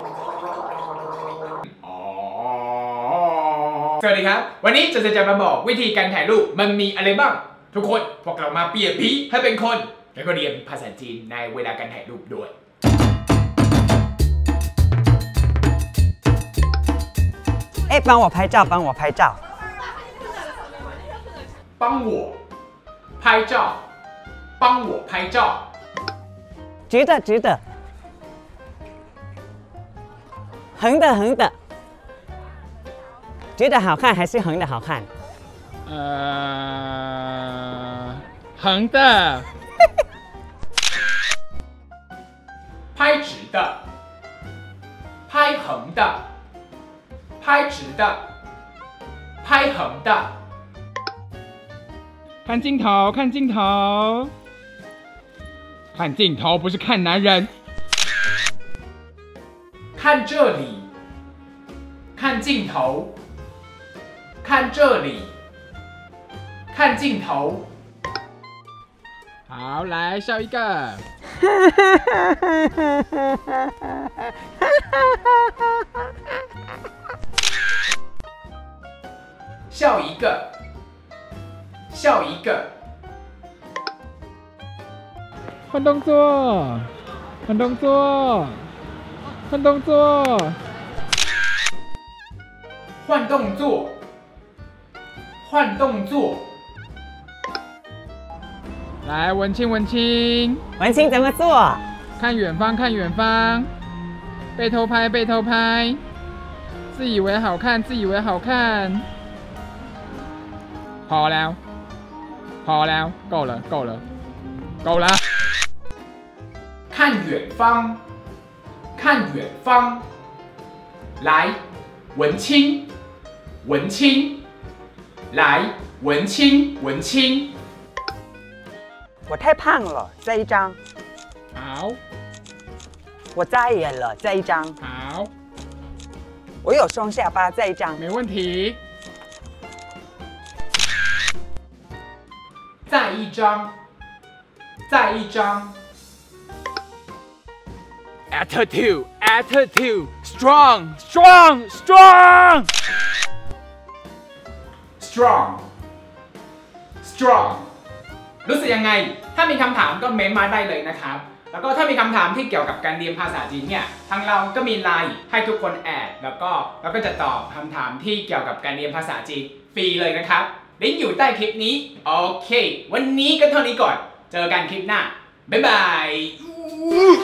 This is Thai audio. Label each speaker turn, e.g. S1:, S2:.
S1: สวัสดีครับวันนี้จะมาบอกวิธีการถ่ายรูปมันมีอะไรบ้างทุกคนพวกเรามาเปลี่ยนผีให้เป็นคนแล้วก็เรียนภาษาจีนในเวลาการถ่ายรูปด้วย
S2: 帮我拍照帮我拍照
S1: 帮我拍照帮我拍照
S2: 直的直的横的横的直的好看还是横的好看
S3: 横的
S1: 拍直的拍横的拍直的拍横的
S3: 看镜头看镜头看镜头不是看男人
S1: 看这里看镜头看这里看镜头
S3: 好来笑一个
S1: 笑一个笑一个
S3: 换动作换动作换动作
S1: 换动作换动作
S3: 来文青文青
S2: 文青怎么做
S3: 看远方看远方被偷拍被偷拍自以为好看自以为好看พอแล้วพอแล้ว够了够了够了
S1: 看远方看远方来文青文青来文青文青
S2: 我太胖了这一张
S3: 好
S2: 我扎眼了这一张
S3: 好
S2: 我有双下巴这一张
S3: 没问题
S1: 再一张再一张
S3: attitude attitude strong strong strong
S1: strong strong รู้สึกยังไงถ้ามีคำถามก็เม้นมาได้เลยนะครับแล้วก็ถ้ามีคำถามที่เกี่ยวกับการเรียนภาษาจีนเนี่ยทางเราก็มีไลน์ให้ทุกคนแอดแล้วก็จะตอบคำถามที่เกี่ยวกับการเรียนภาษาจีนฟรีเลยนะครับลิงก์อยู่ใต้คลิปนี้โอเควันนี้ก็เท่านี้ก่อนเจอกันคลิปหน้าบ๊ายบาย